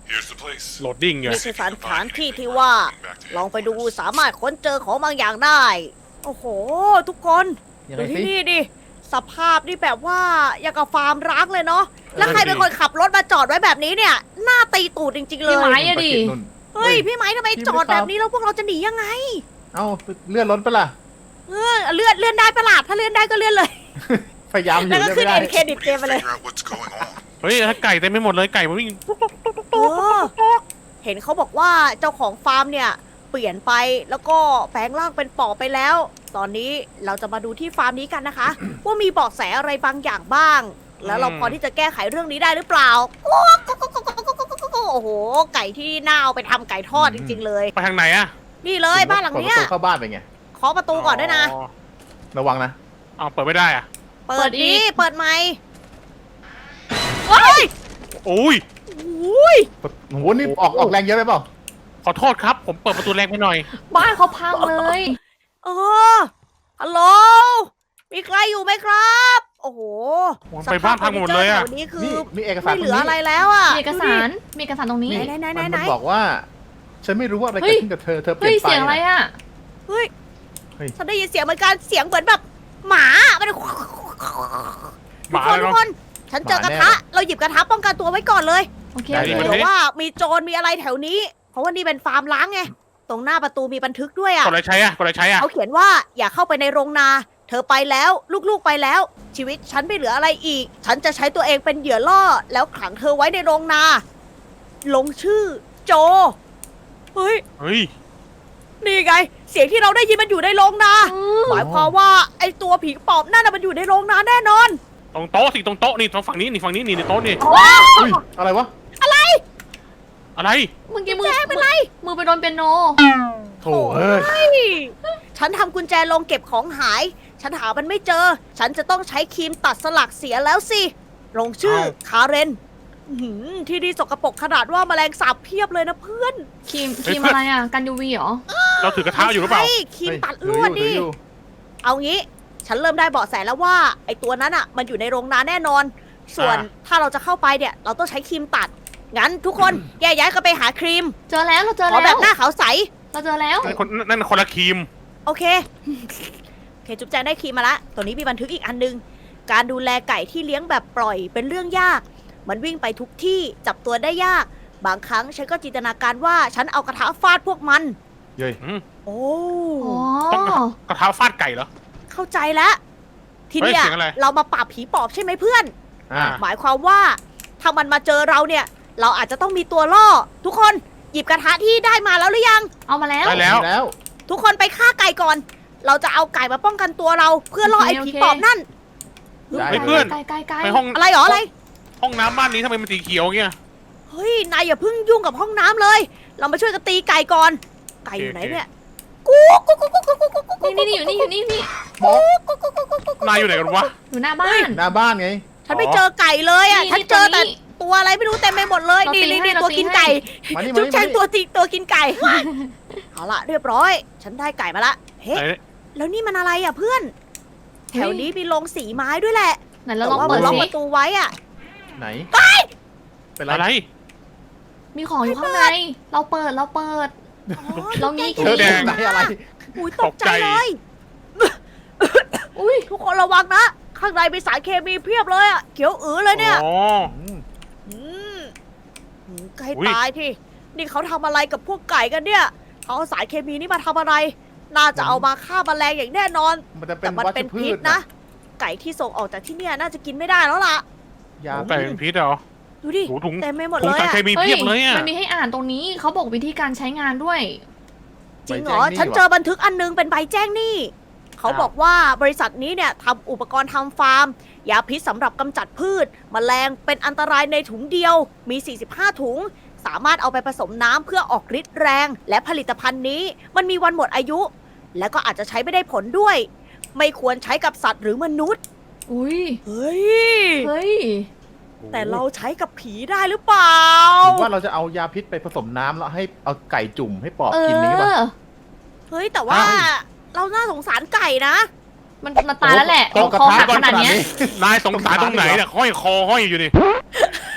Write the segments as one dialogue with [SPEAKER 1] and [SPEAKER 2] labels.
[SPEAKER 1] โหลดดิ้งไง
[SPEAKER 2] นี่คือสถานที่ที่ว่า ลองไปดูสามารถค้นเจอของบางอย่างได้ โอ้โห ทุกคน
[SPEAKER 3] ยัง
[SPEAKER 2] ดู
[SPEAKER 3] ไง
[SPEAKER 2] ที่
[SPEAKER 3] สิ
[SPEAKER 2] นี่ดิ สภาพนี่แบบว่าอย่างกับฟาร์มร้างเลยเนาะ แล้วใครเป็นคนขับรถมาจอดไว้แบบนี้เนี่ย หน้าตีตูดจริงๆเล
[SPEAKER 4] พี่
[SPEAKER 2] ย
[SPEAKER 4] ไม้อะดิ
[SPEAKER 3] นู่น
[SPEAKER 2] เฮ้ย พี่ไม้ทำไมจอดแบบนี้แล้วพวกเราจะหนียังไง
[SPEAKER 3] เอ้าเลื่อนรถไปะล่ะ
[SPEAKER 2] เลื่อนได้ประหลาด ถ้าเลื่อนได้ก็เลื่อนเลย
[SPEAKER 3] พยายามอยู่
[SPEAKER 2] แล้วก็
[SPEAKER 3] เลื่อน
[SPEAKER 2] ขึ้น
[SPEAKER 3] ไม่ได้
[SPEAKER 2] เอ็นเครดิตเกมไปเลย
[SPEAKER 1] เฮ้ยถ้าไก่เต็มไปหมดเลยไก่มันวิ่ง
[SPEAKER 2] เออเห็นเขาบอกว่าเจ้าของฟาร์มเนี่ยเปลี่ยนไปแล้วก็แปลงร่างเป็นปอบไปแล้ว ตอนนี้เราจะมาดูที่ฟาร์มนี้กันนะคะ ว่ามีเบาะแสอะไรบางอย่างบ้าง แล้วเราพอที่จะแก้ไขเรื่องนี้ได้หรือเปล่าโอ้โห ไก่ที่น่าเอาไปทำไก่ทอดจริง ๆ เลย
[SPEAKER 1] ไปทางไหนอะ
[SPEAKER 2] นี่เลยบ้านหลังเนี้ย
[SPEAKER 3] เปิดประตูเข้าบ้านไปไง
[SPEAKER 2] เคาะประตูก่อนด้วยนะ
[SPEAKER 3] ระวังนะ
[SPEAKER 1] เอาเปิดไม่ได้อะ
[SPEAKER 2] เปิดดีเปิดไหมเฮ้ย
[SPEAKER 1] โอ้ย
[SPEAKER 2] อุ้ย
[SPEAKER 3] โอ้โหนี่ออกแรงเยอะไปเปล่า
[SPEAKER 1] ขอโทษครับ ผมเปิดประตูแรงไปหน่อย
[SPEAKER 4] บ้านเขาพังเลย
[SPEAKER 2] เออฮัลโหลมีใครอยู่ไหมครับ โอ้โห
[SPEAKER 1] ไปบ้านพังหมดเลยอะ
[SPEAKER 2] สภาพฟร์นิจร์แถวนี้คือ
[SPEAKER 3] นี่มีเอกสาร
[SPEAKER 2] ไม่เหลืออะไรแล้วอ่ะ
[SPEAKER 4] มีเอกสาร มีเอกสารตรงนี้
[SPEAKER 2] ไหน
[SPEAKER 3] มันบอกว่า ฉันไม่รู้ว่าอะไร
[SPEAKER 4] เฮ้
[SPEAKER 3] เกิ
[SPEAKER 4] ย
[SPEAKER 3] ดขึ้นกับเธอเปลี่
[SPEAKER 4] เฮ้
[SPEAKER 3] ย
[SPEAKER 4] ย
[SPEAKER 3] นไป
[SPEAKER 4] เสียงอะไรอ่ะ
[SPEAKER 2] เฮ้ย
[SPEAKER 3] เฮ้ย
[SPEAKER 2] ฉันได้ยินเสียงเหมือนกันเสียงเหมือนแบบหมามัน
[SPEAKER 1] ห
[SPEAKER 2] ทุ
[SPEAKER 1] มาก
[SPEAKER 2] คน
[SPEAKER 1] เลย
[SPEAKER 2] ทุก
[SPEAKER 1] เนาะ
[SPEAKER 2] คน ฉันเจอกระทะ เราหยิบกระทะป้องกันตัวไว้ก่อนเลย
[SPEAKER 4] โอเค
[SPEAKER 3] ได้
[SPEAKER 2] เผื่อว่ามีโจรมีอะไรแถวนี้ เพราะว่านี่เป็นฟาร์มล้างไง ตรงหน้าประตูมีบันทึกด้วยอ่ะ
[SPEAKER 1] กดอะไรใช้อะกดอะไรใช้อะ
[SPEAKER 2] เขาเขียนว่าอย่าเข้าไปในโรงนา เธอไปแล้วลูกๆไปแล้ว ชีวิตฉันไม่เหลืออะไรอีก ฉันจะใช้ตัวเองเป็นเหยื่อล่อ แล้วขังเธอไว้ในโรงนา ลงชื่อโจ เฮ้ย
[SPEAKER 1] เฮ้ย
[SPEAKER 2] นี่ไง เสียงที่เราได้ยินมันอยู่ในโรงนา หมายความว่าไอตัวผีปอบนั่นน่ะมันอยู่ในโรงนาแน่นอน
[SPEAKER 1] ตรงโต๊ะสิตรงโต๊ะนี่ตรงฝั่งนี้นี่ฝั่งนี้นี่ในโต๊ะนี่
[SPEAKER 3] อุ้ยอะไรวะ
[SPEAKER 1] อะไร
[SPEAKER 4] เมื่อกี้มือ
[SPEAKER 2] แจ้งเป็นไร
[SPEAKER 4] มือไปโดนเปียโน
[SPEAKER 3] โถ่เอ้ย
[SPEAKER 2] เฮ้ยฉันทำกุญแจลงเก็บของหาย ฉันหามันไม่เจอ ฉันจะต้องใช้ครีมตัดสลักเสียแล้วสิ ลงชื่อคาเรนอื้อหือที่นี่สกปรกขนาดว่าแมลงสาบเพียบเลยนะเพื่อน
[SPEAKER 4] ครีมอะไรอ่ะ กันยูวีเหรอ
[SPEAKER 1] เราถือกระทะอยู่หรือเปล่า
[SPEAKER 2] ใช่ครีมตัดลวด
[SPEAKER 3] ถื
[SPEAKER 2] ดิ
[SPEAKER 3] ออยู่
[SPEAKER 2] เอางี้ ฉันเริ่มได้เบาะแสแล้วว่าไอตัวนั้นอ่ะ มันอยู่ในโรงนาแน่นอน ส่วนถ้าเราจะเข้าไปเนี่ย เราต้องใช้ครีมตัด งั้นทุกคนแยกย้ายกันไปหาครีม
[SPEAKER 4] เจอแล้วเราเจอ
[SPEAKER 2] ขอ
[SPEAKER 4] แล้ว
[SPEAKER 2] แบบหน้าขาวใส
[SPEAKER 4] เราเจอแล้ว
[SPEAKER 1] นั่นคนละครีม
[SPEAKER 2] โอเค โอเค จุ๊บแจงได้ครีมมาละ ตัวนี้มีบันทึกอีกอันนึง การดูแลไก่ที่เลี้ยงแบบปล่อยเป็นเรื่องยาก มันวิ่งไปทุกที่จับตัวได้ยาก บางครั้งฉันก็จินตนาการว่าฉันเอากระทะฟาดพวกมัน
[SPEAKER 3] เย้ย
[SPEAKER 2] โอ้
[SPEAKER 4] อ๋อ
[SPEAKER 1] ต้องกระทะฟาดไก่เหรอ
[SPEAKER 2] เข้าใจแล้ว ทีเนี้ย
[SPEAKER 1] เฮ้ยเสียงอะไร
[SPEAKER 2] เรามาปราบผีปอบใช่ไหมเพื่อน
[SPEAKER 3] อ่า
[SPEAKER 2] หมายความว่าถ้ามันมาเจอเราเนี่ย เราอาจจะต้องมีตัวล่อ ทุกคนหยิบกระทะที่ได้มาแล้วหรือยัง
[SPEAKER 4] เอามาแล้ว
[SPEAKER 1] ได้แล้ว
[SPEAKER 3] แล้ว
[SPEAKER 2] ทุกคนไปฆ่าไก่ก่อน เราจะเอาไก่มาป้องกันตัวเรา เพื่อล่อไอ้ผีปอบนั่น
[SPEAKER 3] ได้
[SPEAKER 1] เฮ้ยเพื่อน
[SPEAKER 4] ไกล
[SPEAKER 1] ไปห้อง
[SPEAKER 2] อะไรหรออะไร
[SPEAKER 1] ห้องน้ำบ้านนี้ทำไมมันสีเขียวเงี้ย
[SPEAKER 2] เฮ้ย นายอย่าเพิ่งยุ่งกับห้องน้ำเลย เรามาช่วยกันตีไก่ก่อน ไก่อยู่ไหนเนี่ย กูกูกูกูกูกูกูกู
[SPEAKER 4] นี่อยู่นี่
[SPEAKER 1] นายอยู่ไหนกันวะ
[SPEAKER 4] อยู่หน้าบ้าน
[SPEAKER 3] หน้าบ้านไง
[SPEAKER 2] ฉันไม่เจอไก่เลยอ่ะ
[SPEAKER 4] นี่
[SPEAKER 2] ฉันเจอแต่
[SPEAKER 4] นี่
[SPEAKER 2] ตัวอะไรไม่รู้เต็มไปหมดเลย
[SPEAKER 4] เรา
[SPEAKER 2] นี่
[SPEAKER 4] ตี
[SPEAKER 2] นี่
[SPEAKER 4] ให้
[SPEAKER 2] นี่
[SPEAKER 4] เรา
[SPEAKER 2] ตัว
[SPEAKER 4] ตี
[SPEAKER 2] กิน
[SPEAKER 4] ให้
[SPEAKER 2] ไก่
[SPEAKER 3] มานี่
[SPEAKER 2] จุ๊
[SPEAKER 3] มา
[SPEAKER 2] บ
[SPEAKER 3] นี่
[SPEAKER 2] แจงตัวกินไก่ เอาละเรียบร้อย ฉันได้ไก่มาละ เฮ้
[SPEAKER 1] ไหน
[SPEAKER 2] แล้วนี่มันอะไรอ่ะเพื่อน แถวนี้มีโรงสีไม้ด้วยแหละ
[SPEAKER 4] ไหนเรา
[SPEAKER 2] แต่
[SPEAKER 4] ลอง
[SPEAKER 2] ว่า
[SPEAKER 4] เปิ
[SPEAKER 2] มั
[SPEAKER 4] ด
[SPEAKER 2] นล็อก
[SPEAKER 4] สิ
[SPEAKER 2] ประตูไว้อ่ะ
[SPEAKER 3] ไหนเป็นไร
[SPEAKER 1] อะไร
[SPEAKER 4] มีของอยู่ข้างใน เราเปิด เรามี
[SPEAKER 1] เธอแดง
[SPEAKER 3] ไหนอะไร
[SPEAKER 2] อุ้ยตกใจ
[SPEAKER 1] ตกใจ
[SPEAKER 2] เลย
[SPEAKER 4] อุ้ย
[SPEAKER 2] ทุกคนระวังนะ ข้างในมีสารเคมีเพียบเลยอ่ะ เขียวเลยเนี่ย
[SPEAKER 1] อ๋อ
[SPEAKER 3] อืม
[SPEAKER 2] ไก่
[SPEAKER 1] อุ๊ย
[SPEAKER 2] ตายที่ นี่เขาทำอะไรกับพวกไก่กันเนี่ย เขาเอาสารเคมีนี่มาทำอะไร น่าจะเอามาฆ่าแมลงอย่างแน่นอน
[SPEAKER 3] มันจะเป็
[SPEAKER 2] แต่
[SPEAKER 3] น
[SPEAKER 2] มัน
[SPEAKER 3] วัช
[SPEAKER 2] เป็น
[SPEAKER 3] พื
[SPEAKER 2] พิษ
[SPEAKER 3] ช
[SPEAKER 2] นะ ไก่ที่ส่งออกจากที่เนี่ยน่าจะกินไม่ได้แล้วล่ะ
[SPEAKER 3] ยา
[SPEAKER 1] ไก่เป็นพิษเหรอ
[SPEAKER 2] ดูดิ
[SPEAKER 1] โอ้ถุง
[SPEAKER 2] เต็มไปหมด
[SPEAKER 1] ถุ
[SPEAKER 2] เล
[SPEAKER 1] ง
[SPEAKER 2] ย
[SPEAKER 1] สาร
[SPEAKER 2] อะ
[SPEAKER 1] เคมีเพียบเลยอ่ะ
[SPEAKER 4] มันมีให้อ่านตรงนี้ เขาบอกวิธีการใช้งานด้วย
[SPEAKER 2] จริงเหรอ ฉันเจอบันทึกอันนึงเป็นใบแจ้งหนี้ เขาบอกว่าบริษัทนี้เนี่ยทำอุปกรณ์ทำฟาร์ม ยาพิษสำหรับกำจัดพืช แมลงเป็นอันตรายในถุงเดียว มี 45 ถุง สามารถเอาไปผสมน้ำเพื่อออกฤทธิ์แรง และผลิตภัณฑ์นี้มันมีวันหมดอายุ และก็อาจจะใช้ไม่ได้ผลด้วย ไม่ควรใช้กับสัตว์หรือมนุษย์
[SPEAKER 4] อุ้ย
[SPEAKER 2] เฮ้ย
[SPEAKER 4] เฮ้ย
[SPEAKER 2] แต่เราใช้กับผีได้หรือเปล่า
[SPEAKER 3] หรือว่าเราจะเอายาพิษไปผสมน้ำแล้วให้เอาไก่จุ่มให้ปอบกินนี้ป่ะ
[SPEAKER 2] เฮ้ย แต่ว่า
[SPEAKER 3] อ้าว
[SPEAKER 2] เราน่าสงสารไก่นะ
[SPEAKER 4] มันตายแล้วแหละ
[SPEAKER 3] เอากระ
[SPEAKER 4] คอ
[SPEAKER 3] ทะ
[SPEAKER 4] หัก
[SPEAKER 3] ก่อน
[SPEAKER 4] ขนาดเนี้ย
[SPEAKER 1] นายสงสารตรงไหนเนี่ยห้อยคอห้อยอยู่นี่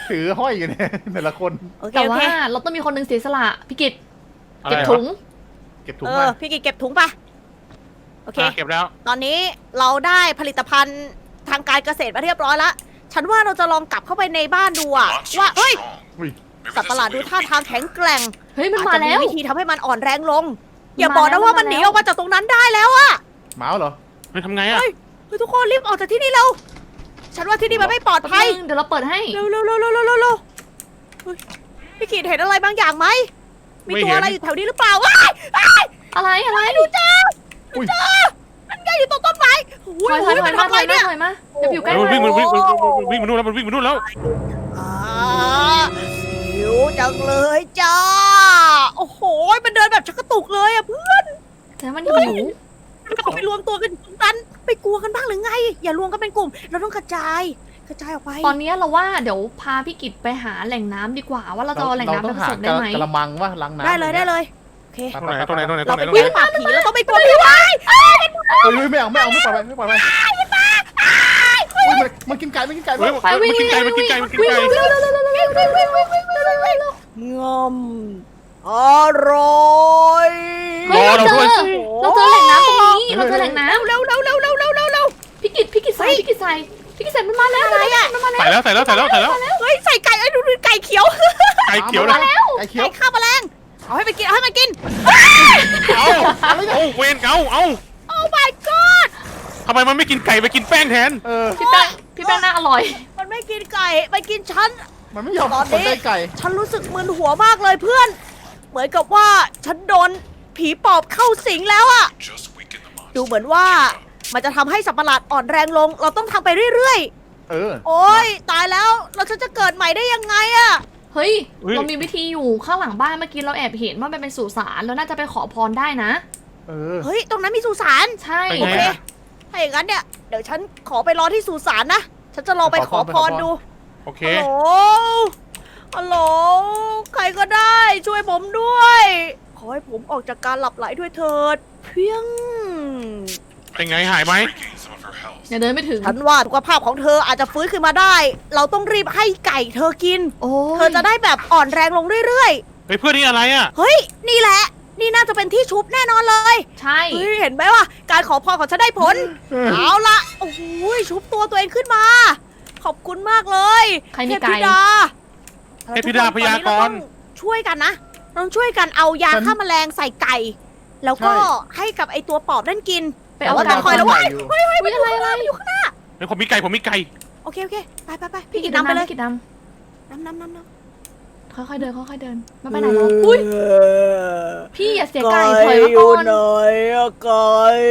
[SPEAKER 3] ถือห้อยอยู่เนี่ย แต่ละคน
[SPEAKER 2] โอเค
[SPEAKER 4] แต่
[SPEAKER 2] โอ
[SPEAKER 4] ว่า
[SPEAKER 2] เค
[SPEAKER 4] เราต้องมีคนหนึ่งเสียสละพี่กิต
[SPEAKER 1] อะไร
[SPEAKER 4] เก็บ
[SPEAKER 1] วะ
[SPEAKER 4] ถุง
[SPEAKER 3] เก็บถุง
[SPEAKER 2] เอ
[SPEAKER 3] มา
[SPEAKER 2] อพี่กิจเก็บถุงปะโอเค
[SPEAKER 1] เก็บแล้ว
[SPEAKER 2] ตอนนี้เราได้ผลิตภัณฑ์ทางการเกษตรมาเรียบร้อยแล้ว ฉันว่าเราจะลองกลับเข้าไปในบ้านดูอะว่าเฮ้ย
[SPEAKER 3] อุ้ย
[SPEAKER 2] สัตว์ประหลาดดูท่าทางแข็งแกร่ง
[SPEAKER 4] เฮ้ยมัน
[SPEAKER 2] อาจ
[SPEAKER 4] มา
[SPEAKER 2] จะมี
[SPEAKER 4] แล้ว
[SPEAKER 2] วิธีทำให้มันอ่อนแรงลง
[SPEAKER 4] มัน
[SPEAKER 2] อย่าบอก
[SPEAKER 4] มาแล้
[SPEAKER 2] นะ
[SPEAKER 4] ว
[SPEAKER 2] ว่ามัน
[SPEAKER 4] มัน
[SPEAKER 2] ห
[SPEAKER 4] มา
[SPEAKER 2] นี
[SPEAKER 4] แล้ว
[SPEAKER 2] ออกมาจากตรงนั้นได้แล้วอะ
[SPEAKER 3] หมาเหรอ
[SPEAKER 1] เฮ้ยทำไงอ่ะ
[SPEAKER 2] เฮ้ยทุกคนรีบออกจากที่นี่เร็วฉันว่าที่นี่มันไม่ปลอด
[SPEAKER 4] แป๊บ
[SPEAKER 2] ภัย
[SPEAKER 4] นึงเดี๋ยวเราเปิดให้
[SPEAKER 2] เร็วเร็วเร็วเร็วเร็วเร็วเร็วเฮ้ยพี่กีดเห็นอะไรบางอย่างไหมมีตัวอะไรอยู่แถวนี้หรือเปล่าว้ายอ้าย
[SPEAKER 4] อะไรอะไร
[SPEAKER 2] ดูจ้า
[SPEAKER 3] อุ้ย
[SPEAKER 2] นั่นไงอยู่ตรงต้นไม้โอ้
[SPEAKER 4] ถอย
[SPEAKER 2] ย
[SPEAKER 4] ถอยถ
[SPEAKER 2] มั
[SPEAKER 4] อย
[SPEAKER 2] น
[SPEAKER 4] มา
[SPEAKER 2] ทำ
[SPEAKER 4] ถ
[SPEAKER 2] อะไร
[SPEAKER 4] อยมา
[SPEAKER 2] เนี่ย
[SPEAKER 4] ถอยมาเดี๋ยวอยู่ใกล้
[SPEAKER 1] มัน
[SPEAKER 4] เล
[SPEAKER 1] วิ่
[SPEAKER 4] ย
[SPEAKER 1] งมันวิ่งมันวิ่งมันนู่นแล้วมันวิ่งมันนู่นแล้ว
[SPEAKER 2] หิวจังเลยจ้า โอ้โห มันเดินแบบชักกระตุกเลยอะเพื่อน
[SPEAKER 4] แต่มันหิว
[SPEAKER 2] มันก็ไปรวมตัวกันอยู่ตรงนั้นไปกลัวกันบ้างหรือไง อย่ารวมกันเป็นกลุ่ม เราต้องกระจาย กระจายออกไป
[SPEAKER 4] ตอนนี้เราว่าเดี๋ยวพาพี่กิตไปหาแหล่งน้ำดีกว่า ว่าเราจะเอาแหล่งน้ำไปผสมได้ไหม
[SPEAKER 3] กระมังว่าล้างน้ำ
[SPEAKER 2] ได้เลยได้เลย โอเค
[SPEAKER 1] ตรงไหนตรงไหนตรงไหนตร
[SPEAKER 2] เรา
[SPEAKER 1] งไหน
[SPEAKER 2] ไป
[SPEAKER 1] ตรง
[SPEAKER 2] แย่
[SPEAKER 1] ไหน
[SPEAKER 2] งปราบผีเราต้องไปกลัวผีไว้
[SPEAKER 3] เฮ้ยไม่เอาไม่ปล่อยไปไม่ปล่อยไปอุ้ยมันกินไก่มันกินไก่
[SPEAKER 1] เฮ้ย
[SPEAKER 4] ไปวิ่ง
[SPEAKER 1] มันกินไก่มันกินไก่มันกิน
[SPEAKER 4] วิ่ง
[SPEAKER 1] ไก่
[SPEAKER 4] เร็วเร็วเร็วเร็วเร็วเร็วเร็วเร็วเร็วเร็วเร็วเร็ว
[SPEAKER 2] งอมอร่อย
[SPEAKER 4] เฮ้ยเราเจอแหล่งน้ำตรงนี้เราเจอแหล่งน้
[SPEAKER 2] เร็วเร็วเร็วเร็วเร็วเร็วเร็ว
[SPEAKER 4] ำพี่กิตใส่มันมาแล้วอะไรอ่ะมันมาแล้ว
[SPEAKER 1] ใส่แล้วใส่แล้วใส่แล้วใส่แล้ว
[SPEAKER 2] เฮ้ยใส่ไก่ไอ้ดูไก่เขียว
[SPEAKER 1] ไก่เขียวนะ
[SPEAKER 3] ไก่เขียว
[SPEAKER 2] ไก่ข้าวแมลงเอาให้มันกินเอาให้มันกิน
[SPEAKER 1] เอาเอาเวนเอา
[SPEAKER 2] โอ้ my god
[SPEAKER 1] ทำไมมันไม่กินไก่ไปกินแป้งแทน
[SPEAKER 4] พี่แป้งน่าอร่อย
[SPEAKER 2] มันไม่กินไก่มันกินฉัน
[SPEAKER 3] มันไม่ยอม
[SPEAKER 2] ตอน
[SPEAKER 3] สน
[SPEAKER 2] นี้
[SPEAKER 3] ใจไก่
[SPEAKER 2] ฉันรู้สึกมึนหัวมากเลยเพื่อน เหมือนกับว่าฉันโดนผีปอบเข้าสิงแล้วอะดูเหมือนว่ามันจะทำให้สัตว์ประหลาดอ่อนแรงลง เราต้องทำไปเรื่อย
[SPEAKER 3] เออ
[SPEAKER 2] ๆ โอ๊ยตายแล้วเราฉันจะเกิดใหม่ได้ยังไงอะ
[SPEAKER 4] เฮ้ยเรามีวิธีอยู่ข้างหลังบ้านเมื่อกี้เราแอบเห็นว่ามันเป็นสุสานเราน่าจะไปขอพรได้นะ
[SPEAKER 3] เออ
[SPEAKER 2] เฮ้ยตรงนั้นมีสุสาน
[SPEAKER 4] ใช่
[SPEAKER 2] โอเคถ้าอย่างนั้นเนี่ยเดี๋ยวฉันขอไปรอที่สุสานนะฉันจะลองไปขอพรดู
[SPEAKER 1] โอเค
[SPEAKER 2] ฮัลโหล ฮัลโหล ใครก็ได้ช่วยผมด้วย ขอให้ผมออกจากการหลับไหลด้วยเถิด เพียง
[SPEAKER 1] เป็นไงหายไหม
[SPEAKER 4] อย่าเดินไม่ถึง
[SPEAKER 2] ฉันว่าสุขภาพของเธออาจจะฟื้นขึ้นมาได้ เราต้องรีบให้ไก่เธอกิน
[SPEAKER 4] โอ้
[SPEAKER 2] เธอจะได้แบบอ่อนแรงลงเรื่อย
[SPEAKER 1] เฮ้ยเพื่อนนี่อะไรอ่ะ
[SPEAKER 2] ๆ เฮ้ย นี่แหละ นี่น่าจะเป็นที่ชุบแน่นอนเลย
[SPEAKER 4] ใช่
[SPEAKER 2] เฮ้ย เห็นไหมว่า การขอพรของฉันได้ผล เอาละโอ้โหชุบตัวตัวเองขึ้นมา ขอบคุณมากเลย
[SPEAKER 4] ใครมี
[SPEAKER 2] เทพ
[SPEAKER 4] ไก่
[SPEAKER 2] ธิดา
[SPEAKER 1] เทพธิดาพยากรณ์
[SPEAKER 2] ตอนนี้เต้องช่วยกันนะเราต้องช่วยกันเอายาฆ่าแมลงใส่ไก่ แล้วก็ให้กับไอตัวปอบนั่นกิน
[SPEAKER 4] ไปเอา
[SPEAKER 2] แต่ว่า
[SPEAKER 4] ไก่
[SPEAKER 2] ต้องคอยระวัง
[SPEAKER 3] อยู่
[SPEAKER 4] อุ๊ยอะไรอะไร
[SPEAKER 2] อยู่ข้างหน้า
[SPEAKER 1] เฮ้ยผมมีไก่ผมมีไก่
[SPEAKER 2] โอเคโอเคไปไปไป
[SPEAKER 4] พี่
[SPEAKER 2] พี่
[SPEAKER 4] กิ
[SPEAKER 2] กิ
[SPEAKER 4] น
[SPEAKER 2] นน้ำไปเลย
[SPEAKER 4] พี่กินน้
[SPEAKER 2] น้ำ
[SPEAKER 4] ำค่อยๆเดินค่อยๆเดินไม่ไปไหนหรอกอุ้ยพี่อย่าเสียไก่ถอยมาก่อน
[SPEAKER 2] ไก่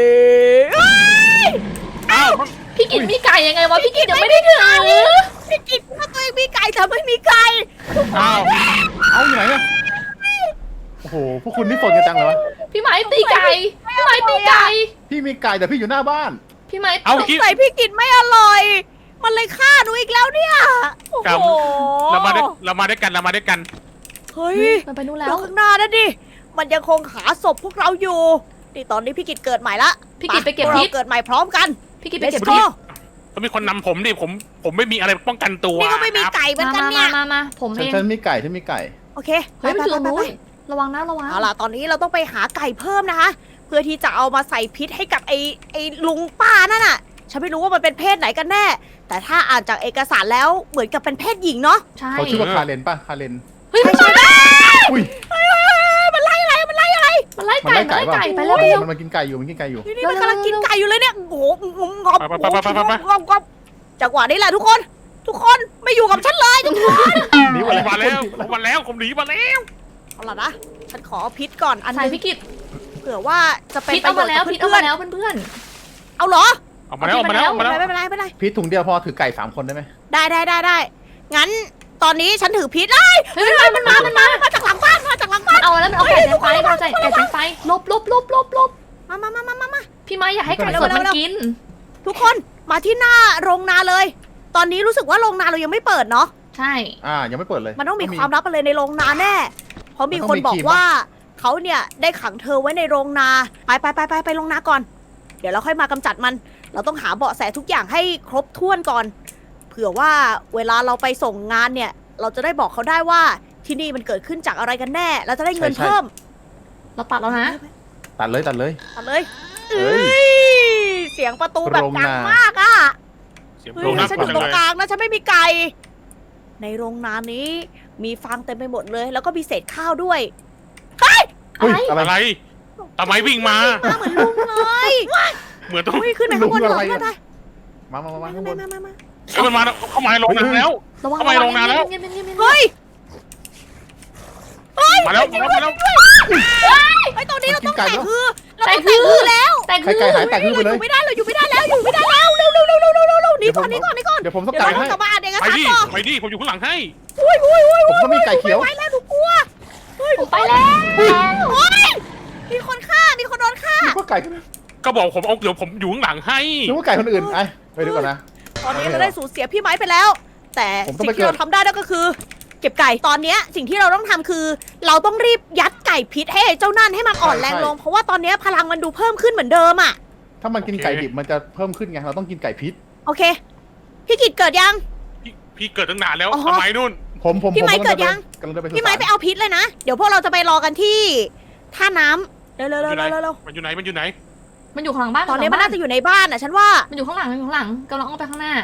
[SPEAKER 1] อ้าว
[SPEAKER 4] พี่กินมีไก่ยังไงวะพี่กินยังไม่ได้ถือ
[SPEAKER 2] พี่กินถ้าตัวเองมีไก่แต่ไม่มีไก่
[SPEAKER 1] อ้าว
[SPEAKER 3] เอาอยู่ไหนอะโอ้โห พวกคุณนี่สนกันจังเลยวะ
[SPEAKER 4] พี่ไม้ตีไก่พี่ไม้ตีไก่
[SPEAKER 3] พี่มีไก่แต่พี่อยู่หน้าบ้าน
[SPEAKER 4] พี่ไม้
[SPEAKER 1] เอา
[SPEAKER 2] สง
[SPEAKER 1] คิด
[SPEAKER 2] สัยพี่กินไม่อร่อย มันเลยฆ่าหนูอีกแล้วเนี่ยโอ้
[SPEAKER 1] กรรม
[SPEAKER 2] โห
[SPEAKER 1] เรามาด้วยกันเรามาด้วยกัน
[SPEAKER 2] เฮ้ย
[SPEAKER 4] มันไปนู่นแล้
[SPEAKER 2] แล้ว วข้างหน้านั่นดิ มันยังคงหาศพพวกเราอยู่ นี่ตอนนี้พี่กิจเกิดใหม่ละ
[SPEAKER 4] พี่กิจไปเก็บ
[SPEAKER 2] พว
[SPEAKER 4] พิ
[SPEAKER 2] รา
[SPEAKER 4] ษ
[SPEAKER 2] เกิดใหม่พร้อมกัน
[SPEAKER 4] พี่กิจไปเก็บ
[SPEAKER 2] Let's
[SPEAKER 4] พิ
[SPEAKER 2] go
[SPEAKER 4] ษ
[SPEAKER 1] ต้องมีคนนำผมดิผมไม่มีอะไรป้องกันตัว
[SPEAKER 2] นี่ก็ไม่มี
[SPEAKER 1] ครับ
[SPEAKER 2] ไก่เหมือนกัน
[SPEAKER 4] มา
[SPEAKER 2] เนี่ย
[SPEAKER 4] มาผม
[SPEAKER 3] ฉั
[SPEAKER 4] เอง
[SPEAKER 3] นมีไก่ฉันมีไก่
[SPEAKER 2] โอเค
[SPEAKER 4] เฮ้ยมันอยู่ตรง
[SPEAKER 2] ไป
[SPEAKER 4] นู้
[SPEAKER 2] ไป
[SPEAKER 4] นระวังนะระวัง
[SPEAKER 2] เอาล่ะ ตอนนี้เราต้องไปหาไก่เพิ่มนะคะ เพื่อที่จะเอามาใส่พิษให้กับไอ้ลุงป้านั่นน่ะ ฉันไม่รู้ว่ามันเป็นเพศไหนกันแน่ แต่ถ้าอ่านจากเอกสารแล้วเหมือนกับเป็นเพศหญิงเนาะ
[SPEAKER 4] ใช่
[SPEAKER 3] เขาชื่อว่าคาเรนป่ะ คาเรน
[SPEAKER 4] เฮ้ยมันมา
[SPEAKER 3] อุ้ย
[SPEAKER 2] มันไล่อะไร มันไล่อะไร
[SPEAKER 4] มันไล่
[SPEAKER 3] มัน
[SPEAKER 4] ไก่
[SPEAKER 3] ไล่
[SPEAKER 4] มัน
[SPEAKER 3] ไก่
[SPEAKER 4] ไล่
[SPEAKER 3] ป่ะ
[SPEAKER 4] ไก่ไปแล้วไปแล้ว
[SPEAKER 3] มันกินไก่อยู่ มันกินไก่อยู่
[SPEAKER 2] นี่มันกำลังกินไก่อยู่เลยเนี่ย โอ้โหงอบ
[SPEAKER 1] ไป
[SPEAKER 2] งอบจังหวะนี้แหละทุกคน ทุกคนไม่อยู่กับฉันเลยทุกคน
[SPEAKER 3] หนี
[SPEAKER 1] ผม
[SPEAKER 3] มา
[SPEAKER 1] มา
[SPEAKER 3] แล้
[SPEAKER 1] แล้ว วผมมาแล้วผมหนีมาแล้ว
[SPEAKER 2] เอาล่ะนะ ฉันขอพิษก่อนอัน
[SPEAKER 4] ใส่
[SPEAKER 2] นึง
[SPEAKER 4] พี่กิจ
[SPEAKER 2] เผื่อว่าจะเป็น
[SPEAKER 4] พิษ
[SPEAKER 2] ประ
[SPEAKER 4] เอา
[SPEAKER 2] โยช
[SPEAKER 4] มา
[SPEAKER 2] น์
[SPEAKER 4] แล้ว
[SPEAKER 2] กับ
[SPEAKER 4] พิษเอา
[SPEAKER 2] เพื่อ
[SPEAKER 4] มาน แล้วเพื่อน
[SPEAKER 2] ๆเอาเหรอ
[SPEAKER 1] เอามาแล้วเอามาแล้วเอามาแล้ว
[SPEAKER 2] ไม่เป็นไรไม่เป็นไร
[SPEAKER 3] พีทถุงเดียวพอถือไก่3 คนได้ไหม
[SPEAKER 2] ได้งั้นตอนนี้ฉันถือพิษเลย
[SPEAKER 4] ๆเฮ้ยมันมา
[SPEAKER 2] มาจากหลังบ้านมาจากหลังบ้าน
[SPEAKER 4] เอาแล้วมันเอาไก่แจงไฟมันเอาไก่แจงไฟลบ
[SPEAKER 2] มา
[SPEAKER 4] พี่ไม้อย่าให้ไก่สดมันกิน
[SPEAKER 2] ทุกคนมาที่หน้าโรงนาเลย ตอนนี้รู้สึกว่าโรงนาเรายังไม่เปิดเนาะ
[SPEAKER 4] ใช่
[SPEAKER 3] ยังไม่เปิดเลย
[SPEAKER 2] มันต้องมีความลับอะไรในโรงนาแน่ เพราะมีคนบอกว่าเขาเนี่ยได้ขังเธอไว้ในโรงนา ไปโรงนาก่อน เดี๋ยวเราค่อยมากำจัดมัน เราต้องหาเบาะแสทุกอย่างให้ครบถ้วนก่อน เผื่อว่าเวลาเราไปส่งงานเนี่ยเราจะได้บอกเขาได้ว่าที่นี่มันเกิดขึ้นจากอะไรกันแน่ เราจะได้เงินเพิ่ม
[SPEAKER 4] เราตัดแล้วนะ
[SPEAKER 3] ตัดเลย
[SPEAKER 2] เอาเลย
[SPEAKER 3] เฮ้
[SPEAKER 2] เอ้
[SPEAKER 3] ย
[SPEAKER 2] ยเสียงประตูแบบ
[SPEAKER 3] โรง
[SPEAKER 2] ดัง
[SPEAKER 3] นาม
[SPEAKER 2] มากอ่ะ
[SPEAKER 1] เสียง
[SPEAKER 2] เฮ้
[SPEAKER 1] โรง
[SPEAKER 2] ย
[SPEAKER 1] น้ำ
[SPEAKER 2] ฉัน
[SPEAKER 1] ก่
[SPEAKER 2] อ
[SPEAKER 1] อน
[SPEAKER 2] ยู่ตรง
[SPEAKER 1] เลย
[SPEAKER 2] กลางนะฉันไม่มีไก่ ในโรงนานี้ มีฟางเต็มไปหมดเลย แล้วก็มีเศษข้าวด้วย
[SPEAKER 3] เฮ้ยอะไร
[SPEAKER 1] อะไรทำไมวิ่งมา
[SPEAKER 2] มาเหมือนลุงเลย
[SPEAKER 1] เหมือนต้อง
[SPEAKER 2] เฮ้ยขึ้นไปข้างบน
[SPEAKER 3] ลุง
[SPEAKER 2] ก่
[SPEAKER 3] อะ
[SPEAKER 2] อน
[SPEAKER 3] ไร
[SPEAKER 2] เพื่อน
[SPEAKER 3] อะ
[SPEAKER 2] ไป
[SPEAKER 3] มาข้างบน
[SPEAKER 2] มา
[SPEAKER 1] เอ้ยมันมาเข้ามาในโรงน้ำแล้ว
[SPEAKER 4] ระวัง
[SPEAKER 1] ทำไมลงนานแล้ว
[SPEAKER 4] เงียบๆเงียบๆเงียบๆ
[SPEAKER 2] เฮ้ย
[SPEAKER 1] มาแล้วมาแล้ว
[SPEAKER 2] ไอ้ยตอนนี้เราต้องแตกคือเรา
[SPEAKER 4] แต่
[SPEAKER 2] ต้องแต
[SPEAKER 4] คื
[SPEAKER 2] ก
[SPEAKER 4] อ
[SPEAKER 2] คือแล้ว
[SPEAKER 4] แต่
[SPEAKER 3] ไข่
[SPEAKER 4] คือ
[SPEAKER 3] ไก่หายแตกขึ้นไป
[SPEAKER 2] เรา
[SPEAKER 3] เล
[SPEAKER 2] อย ยู่ไม่ได้เราอยู่ไม่ได้แล้วอยู่ไม่ได้แล้วเร็วหนีก่อนหนีก่อนหนีก่อน
[SPEAKER 3] เดี๋ยวผมต้อง
[SPEAKER 2] เดี๋ยว
[SPEAKER 3] ไก่
[SPEAKER 2] เราต้อ
[SPEAKER 3] ให้
[SPEAKER 2] งกลับบ้านเองนะ
[SPEAKER 1] ไป
[SPEAKER 2] คะ
[SPEAKER 1] ดิ
[SPEAKER 2] ต่อ
[SPEAKER 1] ไปดิผมอยู่ข้างหลังให้
[SPEAKER 3] ผมก็มีไก่เขียว
[SPEAKER 2] ไปแล้วหนูกลัว
[SPEAKER 4] ผมไปแล้ว
[SPEAKER 2] โอ๊ยมีคนฆ่ามีคนโดนฆ่า
[SPEAKER 3] นึกว่าไก่กัน
[SPEAKER 1] ก็บอกผมเอาเดี๋ยวผมอยู่ข้างหลังให้
[SPEAKER 3] นึกว่าไก่คนอื่นไปดูก่อนนะ
[SPEAKER 2] ตอนนี้เราได้สูญเสียพี่ไม้ไปแล้ว แต่
[SPEAKER 3] ผมต้อง
[SPEAKER 2] สิ่
[SPEAKER 3] ไป
[SPEAKER 2] งที่เรา
[SPEAKER 3] เกิด
[SPEAKER 2] ทำได้นั่นก็คือ เก็บไก่ตอนเนี้ยสิ่งที่เราต้องทำคือ เราต้องรีบยัดไก่พิษให้ไอ้เจ้านั่นให้มันอ่อนแรงลง เพราะว่าตอนเนี้ยพลังมันดูเพิ่มขึ้นเหมือนเดิมอ่ะ
[SPEAKER 3] ถ้ามันกินไก่ดิบมันจะเพิ่มขึ้นไง เราต้องกินไก่พิษ
[SPEAKER 2] โอเค พี่กิจเกิดยัง
[SPEAKER 1] พี่เกิดตั้งนานแล้ว
[SPEAKER 2] อ๋อ
[SPEAKER 1] ทำไมนู่น
[SPEAKER 3] ผม
[SPEAKER 2] พี่ไม้เกิดยัง
[SPEAKER 3] กำลังเดินไป
[SPEAKER 2] พี่ไม้ไปเอาพิษเลยนะ เดี๋ยวพวกเราจะไปรอกันที่ท่าน้ำเร็ว
[SPEAKER 1] มันอยู่ไหน
[SPEAKER 2] ๆๆ
[SPEAKER 1] มันอยู่ไหนมันอยู่ไหน
[SPEAKER 4] มันอยู่ข้างหลังบ้าน
[SPEAKER 2] ๆตอนนี้มันน่าจะอยู่ในบ้านอ่ะฉันว่า
[SPEAKER 4] มันอยู่ข้างหลังมันอยู่ข้างหลังกำลังอ้อมไปข้างหน้า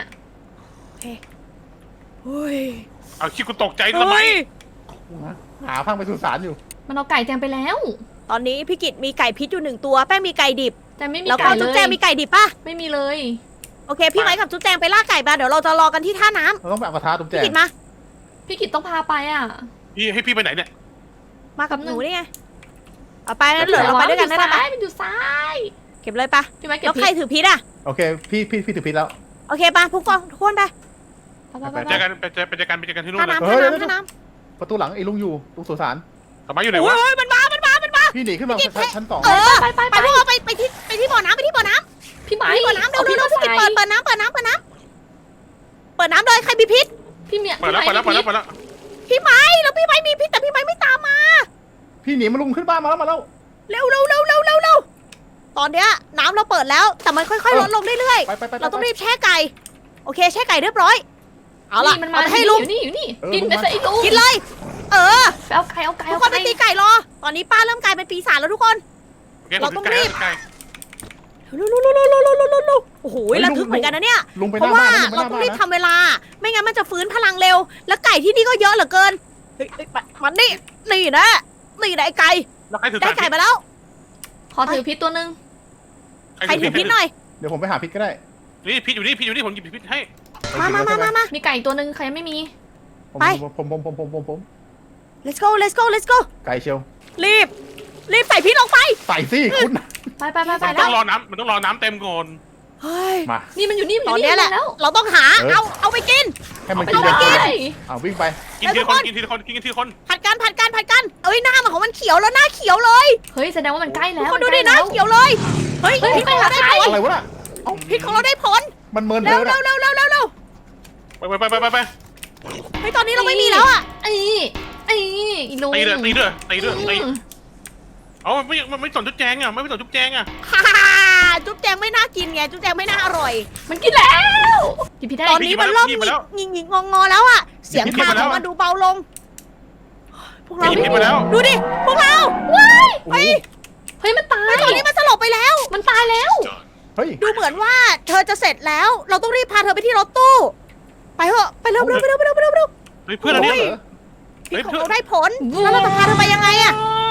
[SPEAKER 2] เฮ้ย
[SPEAKER 1] เอาคิดกูตกใจทำไม
[SPEAKER 3] หาพังไปสุสานอยู่
[SPEAKER 4] มันเอาไก่แจงไปแล้ว
[SPEAKER 2] ตอนนี้พี่กิจมีไก่พิษอยู่1ตัวแป้งมีไก่ดิบ
[SPEAKER 4] แต่ไม่มี
[SPEAKER 2] แล้วก็
[SPEAKER 4] ไก่เล
[SPEAKER 2] จุ๊บ
[SPEAKER 4] ย
[SPEAKER 2] แจงมีไก่ดิบป่ะ
[SPEAKER 4] ไม่มีเลย
[SPEAKER 2] โอเค พี่ไม้กับจุ๊บแจงไปล่าไก่มาเดี๋ยวเราจะรอกันที่ท่าน้ำ
[SPEAKER 3] เราต้องไปเอากระทะตุ้มแจ
[SPEAKER 2] พี่
[SPEAKER 3] ง
[SPEAKER 2] กิจมา
[SPEAKER 4] พี่กิตต้องพาไปอ่ะ
[SPEAKER 1] พี่ให้พี่ไปไหนเนี่ย
[SPEAKER 2] มากับหนูนี่ไงเอาไปงั้นเหลือเราไปด้วยกันได้ไหม
[SPEAKER 4] มันอยู่ซ้าย
[SPEAKER 2] เก็บเลยปะ
[SPEAKER 4] พี่ไม้เก็
[SPEAKER 2] แล้
[SPEAKER 4] บ
[SPEAKER 2] วใครถือพิษอ่ะ
[SPEAKER 3] โอเค พี่ถือพิษแล้ว
[SPEAKER 2] โอเคปะทุกคนทุกคนไป
[SPEAKER 4] ไป
[SPEAKER 1] เจอกันไปเจอกันที่นู่
[SPEAKER 2] ท่าน
[SPEAKER 1] เลย
[SPEAKER 2] น้ำ
[SPEAKER 3] เฮ้
[SPEAKER 2] ท่าย น้ำท่าน้
[SPEAKER 3] ประตูหลังไอ้ลุงอยู่ตรงสุสาน
[SPEAKER 1] ทำไมอยู่
[SPEAKER 2] ำ
[SPEAKER 1] ไหนวะ
[SPEAKER 2] โอ้ยมันมา
[SPEAKER 3] พี่หนีขึ้นมาชั้น 2
[SPEAKER 2] เออ
[SPEAKER 4] ไป
[SPEAKER 2] ไปพวกเราไปที่บ่อน้ำไปที่บ่อน้
[SPEAKER 4] พี่ไม้
[SPEAKER 2] ำบ่อน้ำเร็ว
[SPEAKER 4] พี่
[SPEAKER 2] เร็วพี่กิจเปิดน้ำเปิดน้ำเลยใครมีพิษ
[SPEAKER 4] พี่เมีย
[SPEAKER 1] เปิดแล้วเปิดแล้วเปิดแล้วเปิดแล้ว
[SPEAKER 2] พี่ไม้แล้วพี่ไม้มีพิษแต่พี่ไม้ไม่ตามมา
[SPEAKER 3] พี่หนีมาลุงขึ้นบ้านมาแล้ว
[SPEAKER 2] เร็วตอนเนี้ยน้ำเราเปิดแล้วแต่มันค่อยๆลดลงเรื่อย
[SPEAKER 3] ไป
[SPEAKER 2] ๆเราต้องรีบแช่ไก่โอเคแช่ไก่เรียบร้อยเอาล่ะ
[SPEAKER 4] มันมา
[SPEAKER 2] เอาไปให้ลุง
[SPEAKER 4] อยู่นี่กินไปซะไอ้ลุง
[SPEAKER 2] กินเลย เออ
[SPEAKER 4] ไปเอาไก่เอาไก่
[SPEAKER 2] ทุก
[SPEAKER 4] เอา
[SPEAKER 2] คนไป
[SPEAKER 4] ไก่
[SPEAKER 2] ตีไก่รอ ตอนนี้ป้าเริ่มกลายเป็นปีศาจแล้วทุกคน
[SPEAKER 1] โอเคผมถึงใกล้
[SPEAKER 2] ลุโอ้โหระทึกเหมือนกันนะเนี่ย
[SPEAKER 3] ลุงไปห
[SPEAKER 2] เพ
[SPEAKER 3] น้า
[SPEAKER 2] ราะว่า
[SPEAKER 3] บ้านนะลุงไปห
[SPEAKER 2] เรา
[SPEAKER 3] น้า
[SPEAKER 2] ต้อง
[SPEAKER 3] บ้าน
[SPEAKER 2] รีบ
[SPEAKER 3] นะ
[SPEAKER 2] ทำเวลา ไม่งั้นมันจะฟื้นพลังเร็ว แล้วไก่ที่นี่ก็เยอะเหลือเกิน เฮ้ยมันนี่นะไอ้ไก่
[SPEAKER 1] แล้วใครถือ
[SPEAKER 2] ได้ไก่มาแล้ว
[SPEAKER 4] ขอถือพิษตัวนึง
[SPEAKER 2] ใครถือพิษหน่อย
[SPEAKER 3] เดี๋ยวผมไปหาพิษก็ได้
[SPEAKER 1] นี่พิษอยู่นี่ผมหยิบพิษให้
[SPEAKER 2] มา
[SPEAKER 4] มีไก่ตัวนึงใครยังไม่มี
[SPEAKER 3] ผม
[SPEAKER 2] let's go
[SPEAKER 3] ไก่เชียว
[SPEAKER 2] รีบใส่พิษลงไป
[SPEAKER 3] ใส่สิคุณ
[SPEAKER 4] ไป
[SPEAKER 1] มัน
[SPEAKER 4] แล้
[SPEAKER 1] ต้อ
[SPEAKER 4] ว
[SPEAKER 1] งรอน้ำมันต้องรอน้ำเต็มก่อน
[SPEAKER 2] เฮ้ย
[SPEAKER 3] มา
[SPEAKER 4] นี่มันอยู่นี่
[SPEAKER 2] ตอนนี้แหละ
[SPEAKER 4] แล้ว
[SPEAKER 2] เราต้องหา เอาไปกิน
[SPEAKER 3] ให้มัน
[SPEAKER 4] ไป
[SPEAKER 3] กิน
[SPEAKER 4] เล
[SPEAKER 3] เดี๋ยวย วิ่งไป
[SPEAKER 1] กินทีละคนกินทีละคนกินทีละคน
[SPEAKER 2] ผัดกันเอ้ยหน้ามันของมันเขียวแล้วหน้าเขียวเลย
[SPEAKER 4] เฮ้ยแสดงว่ามันใกล้
[SPEAKER 2] ทุ
[SPEAKER 4] แล้
[SPEAKER 2] ก
[SPEAKER 4] ว
[SPEAKER 2] คนดูดิหน้าเขียวเลย เฮ้ยพิษของเราได้ผล
[SPEAKER 3] อะไรวะน่ะ
[SPEAKER 2] พิษของเราได้ผล
[SPEAKER 3] มันเมิน
[SPEAKER 2] เร็
[SPEAKER 3] เธ
[SPEAKER 2] ว
[SPEAKER 3] อน่ะ
[SPEAKER 1] ไป
[SPEAKER 2] เฮ้ยตอนนี้เราไม่มีแล้วอ่ะ
[SPEAKER 4] ไอ้ลุง
[SPEAKER 1] ตีเลยเอาไม่สนจุ๊บแจงอ่ะไม่สนจุ๊บแจงอ่ะ
[SPEAKER 2] ฮ่าจุ๊บแจงไม่น่ากินไงจุ๊บแจงไม่น่าอร่อย
[SPEAKER 4] มันกินแล้วกินพิษได้
[SPEAKER 2] ตอนนี้มันเริ่มหงิกงอแล้วอ่ะ เสียงคางของมันดูเบาลง พวกเรา
[SPEAKER 1] พิษไปแล้ว
[SPEAKER 2] ดูดิ พวกเราว้ายเฮ้ย
[SPEAKER 4] มันตาย
[SPEAKER 2] ตอนนี้มันสลบไปแล้ว
[SPEAKER 4] มันตายแล้ว
[SPEAKER 3] เฮ้ย
[SPEAKER 2] ดูเหมือนว่าเธอจะเสร็จแล้ว เราต้องรีบพาเธอไปที่รถตู้ ไปเถอะ ไปเร็ว
[SPEAKER 1] เพื่อนเราเนี่ย
[SPEAKER 2] พิษของเราได้ผล แล้วเราจะพาเธอไปยังไงอะ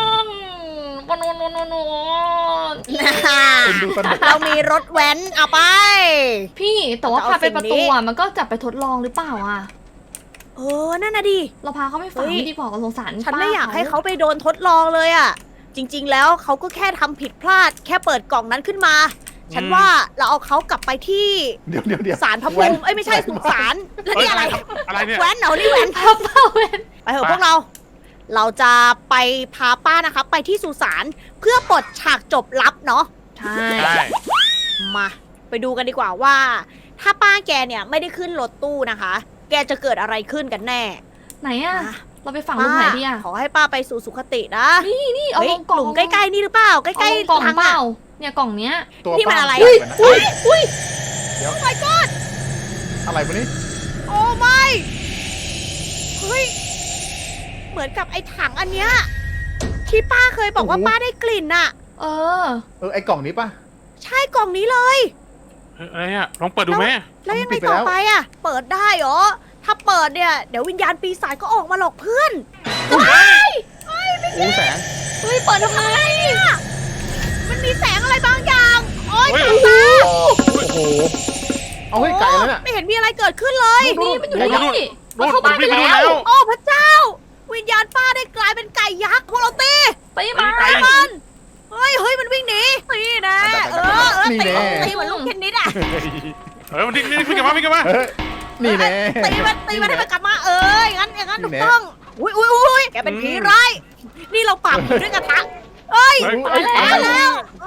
[SPEAKER 3] คุณดูสนุก
[SPEAKER 2] เรามีรถแว้นเอาไป
[SPEAKER 4] พี่แต่ว่าพาไปประตูอ่ะมันก็จับไปทดลองหรือเปล่าอ่ะ
[SPEAKER 2] เออ นั่นน่ะดิ
[SPEAKER 4] เราพาเขาไปฝังไม่ดีกว่าเราสงสาร
[SPEAKER 2] ฉันไม่อยากให้เขาไปโดนทดลองเลยอะจริง ๆ แล้วเขาก็แค่ทำผิดพลาด แค่เปิดกล่องนั้นขึ้นมา ฉันว่าเราเอาเขากลับไปที่
[SPEAKER 3] เดี๋ยว
[SPEAKER 2] ศาลพระภูมิเอ้ยไม่ใช่สุสานแล้วนี่อะไร
[SPEAKER 1] อะไรเนี่ย
[SPEAKER 2] แว้นเหรอนี่แว้น
[SPEAKER 4] พับเป้าเวน
[SPEAKER 2] ไปเถอะพวกเรา เราจะไปพาป้านะคะไปที่สุสานเพื่อปลดฉากจบลับเนาะ
[SPEAKER 4] ใช่
[SPEAKER 1] ใช่
[SPEAKER 2] มาไปดูกันดีกว่าว่า ถ้าป้าแกเนี่ยไม่ได้ขึ้นรถตู้นะคะ แกจะเกิดอะไรขึ้นกันแน่
[SPEAKER 4] ไหนอ่ะ
[SPEAKER 2] อ่ะ
[SPEAKER 4] เราไปฝังลุงไหนดีอ่ะ
[SPEAKER 2] ขอให้ป้าไปสู่สุคตินะ
[SPEAKER 4] นี่เอา
[SPEAKER 2] เฮ้ย
[SPEAKER 4] ลงกล่อง
[SPEAKER 2] หลุมใกล้ๆนี่หรือเปล่าใก
[SPEAKER 4] เอา
[SPEAKER 2] ล้
[SPEAKER 4] ลงกล่อง
[SPEAKER 2] ๆทาง
[SPEAKER 4] เป
[SPEAKER 2] อะ
[SPEAKER 4] ล่าเนี่ยกล่องเนี้ย
[SPEAKER 3] ตัว
[SPEAKER 2] นี่มันอะไร
[SPEAKER 3] อุ้ย
[SPEAKER 2] my god
[SPEAKER 3] อะไรวะนี่
[SPEAKER 2] โอ้ไม่เฮ้ย เหมือนกับไอ้ถังอันเนี้ยที่ป้าเคยบอกว่าป้าได้กลิ่นน่ะ
[SPEAKER 4] เออ
[SPEAKER 3] ไอ้กล่องนี้ป่ะ
[SPEAKER 2] ใช่กล่องนี้เลย
[SPEAKER 1] อะไรอะลองเปิดดูไหม
[SPEAKER 2] แล้วยังไง
[SPEAKER 3] ปิดไป
[SPEAKER 2] ต่อ
[SPEAKER 3] แล้ว
[SPEAKER 2] ไปอ่ะ เปิดได้เหรอ ถ้าเปิดเนี่ย เดี๋ยววิญญาณปีศาจก็ออกมาหลอกเพื่อนว้าย
[SPEAKER 3] โอ้แสง
[SPEAKER 4] เฮ้ย เปิดทำไม
[SPEAKER 2] เนี่ยมันมีแสงอะไรบางอย่าง โอ๊ย
[SPEAKER 1] เฮ้ย
[SPEAKER 2] ตา
[SPEAKER 3] โอ้โห เอาให้ไก่แล้วเนี่ย
[SPEAKER 2] ไม่เห็นมีอะไรเกิดขึ้นเลย
[SPEAKER 4] นี่มันอยู่
[SPEAKER 3] นู่น
[SPEAKER 4] นี่มันเข้าบ้านไป
[SPEAKER 1] นู่น
[SPEAKER 4] แล้ว
[SPEAKER 2] โอ้พระเจ้า วิญญาณป้าได้กลายเป็นไก่ยักษ์พวกเราตี
[SPEAKER 4] ตีมา
[SPEAKER 1] ไก่
[SPEAKER 2] มันเฮ้ยมันวิ่งหนีนี่นะตี
[SPEAKER 3] นี่แน่
[SPEAKER 2] ตีเหมือนลูกเทนนิสอ่ะ
[SPEAKER 1] มันนี่พี่กลับมาพี่กลับมา
[SPEAKER 3] เฮ้ยนี่แน่
[SPEAKER 2] ตีมันให้มันกลับมาอย่างนั้น
[SPEAKER 3] นี่
[SPEAKER 2] ถูก
[SPEAKER 3] แน่
[SPEAKER 2] ต้องอุ้ยแกเป็นผีร้ายนี่เราปราบผีด้วยกระทะเอ้ย
[SPEAKER 1] เฮ้ย
[SPEAKER 2] ตายแล้ว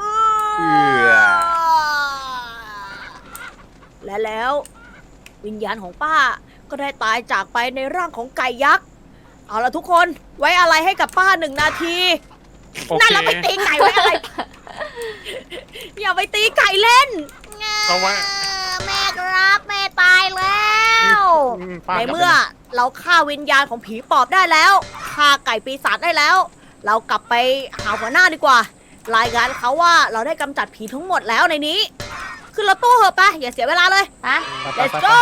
[SPEAKER 2] และแล้ว วิญญาณของป้าก็ได้ตายจากไปในร่างของไก่ยักษ์เอาละทุกคนไว้อะไรให้กับป้า1 นาที
[SPEAKER 1] โอ
[SPEAKER 2] นั่น
[SPEAKER 1] เค
[SPEAKER 2] เราไปตีไก่ไว้อะไร อย่าไปตีไก่เล่น
[SPEAKER 1] เอาไว้
[SPEAKER 2] แม่ครับแม่ตายแล้ว
[SPEAKER 1] ป้า
[SPEAKER 2] ในเมื่อเราฆ่าวิญญาณของผีปอบได้แล้วฆ่าไก่ปีศาจได้แล้ว เรากลับไปหาหัวหน้าดีกว่า รายงานเขาว่าเราได้กำจัดผีทั้งหมดแล้วในนี้ขึ้นรถตู้เหอะไปอย่าเสียเวลาเลยไป let's go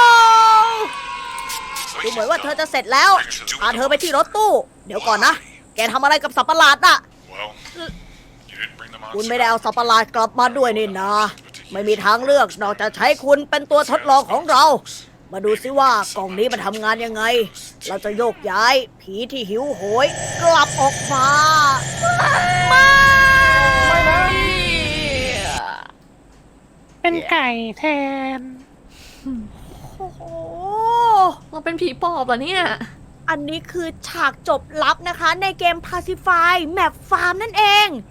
[SPEAKER 2] ดูเหมือนว่าเธอจะเสร็จแล้วพาเธอไปที่รถตู้ เดี๋ยวก่อนนะ แกทำอะไรกับสัตว์ประหลาดน่ะ
[SPEAKER 5] Well, you didn't bring the
[SPEAKER 2] คุณไม่
[SPEAKER 5] monster.
[SPEAKER 2] ได้เอาสัตว์ประหลาดกลับมาด้วยนี่นะ ไม่มีทางเลือกนอกจากใช้คุณเป็นตัวทดลองของเรา มาดูซิว่ากล่องนี้มันทำงานยังไง เราจะโยกย้ายผีที่หิวโหยกลับออกมาไม่
[SPEAKER 1] เป็นไก่แทน
[SPEAKER 2] โอ้โห
[SPEAKER 4] เราเป็นผีปอบเหรอเนี่ย
[SPEAKER 2] อันนี้คือฉากจบลับนะคะในเกม Pacify Map Farm นั่นเอง